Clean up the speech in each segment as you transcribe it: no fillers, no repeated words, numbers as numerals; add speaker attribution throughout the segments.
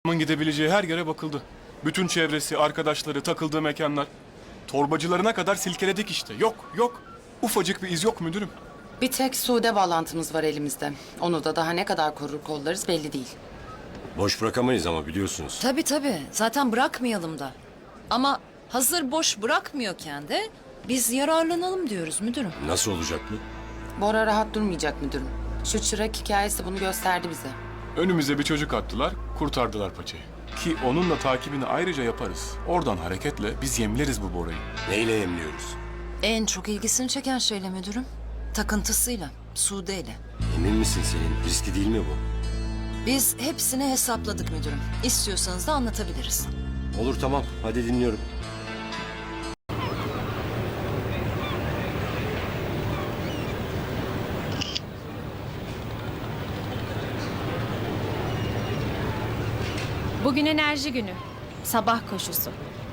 Speaker 1: gidebileceği her yere bakıldı. Bütün çevresi, arkadaşları, takıldığı mekanlar. Torbacılarına kadar silkeledik işte. Yok, yok. Ufacık bir iz yok müdürüm.
Speaker 2: Bir tek Sude bağlantımız var elimizde. Onu da daha ne kadar korur kollarız belli değil.
Speaker 3: Boş bırakamayız ama biliyorsunuz.
Speaker 4: Tabii. Zaten bırakmayalım da. Ama hazır boş bırakmıyorken de biz yararlanalım diyoruz müdürüm.
Speaker 3: Nasıl olacak bu?
Speaker 2: Bora rahat durmayacak müdürüm. Şu çırak hikayesi bunu gösterdi bize.
Speaker 1: Önümüze bir çocuk attılar, kurtardılar paçayı. Ki onun da takibini ayrıca yaparız. Oradan hareketle biz yemleriz bu Bora'yı.
Speaker 3: Neyle yemliyoruz?
Speaker 4: En çok ilgisini çeken şeyle müdürüm. Takıntısıyla, Sude'yle.
Speaker 3: Emin misin Selin? Riski değil mi bu?
Speaker 4: Biz hepsini hesapladık müdürüm. İstiyorsanız da anlatabiliriz.
Speaker 3: Olur tamam. Hadi dinliyorum.
Speaker 5: Bugün enerji günü. Sabah koşusu.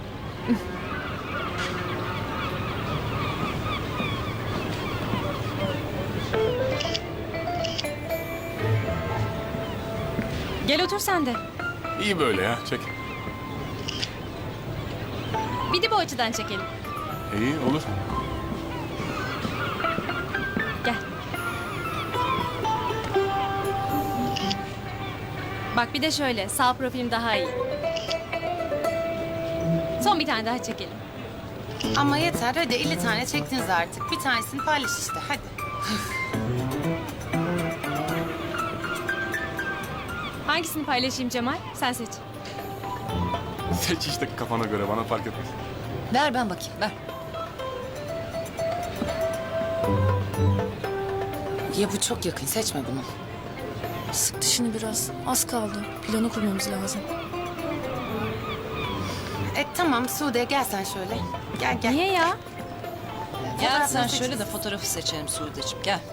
Speaker 5: Gel otur sen de.
Speaker 1: İyi böyle ya, çek.
Speaker 5: Bir de bu açıdan çekelim.
Speaker 1: İyi, olur.
Speaker 5: Gel. Bak bir de şöyle, sağ profilim daha iyi. Son bir tane daha çekelim.
Speaker 2: Ama yeter hadi 50 tane çektiniz artık. Bir tanesini paylaş işte hadi.
Speaker 5: Hangisini paylaşayım Cemal? Sen seç.
Speaker 1: Seç işte kafana göre, bana fark etmez.
Speaker 4: Ver ben bakayım, ver.
Speaker 2: Ya bu çok yakın seçme bunu.
Speaker 6: Sık dişini biraz. Az kaldı. Planı kurmamız lazım.
Speaker 2: Tamam Sude gel sen şöyle. Gel.
Speaker 5: Niye ya?
Speaker 4: Gel
Speaker 2: Fotoğrafını
Speaker 4: sen
Speaker 2: seç.
Speaker 4: şöyle de fotoğrafı seçelim Sude'ciğim, gel.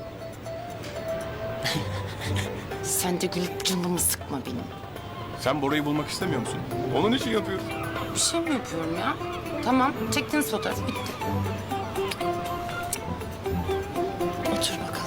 Speaker 2: Sen de gülüp canımı sıkma benim.
Speaker 1: Sen Bora'yı bulmak istemiyor musun? Onun için yapıyoruz.
Speaker 2: Bir şey mi yapıyorum ya? Tamam çektiniz fotoğrafı bitti.
Speaker 4: Otur bakalım.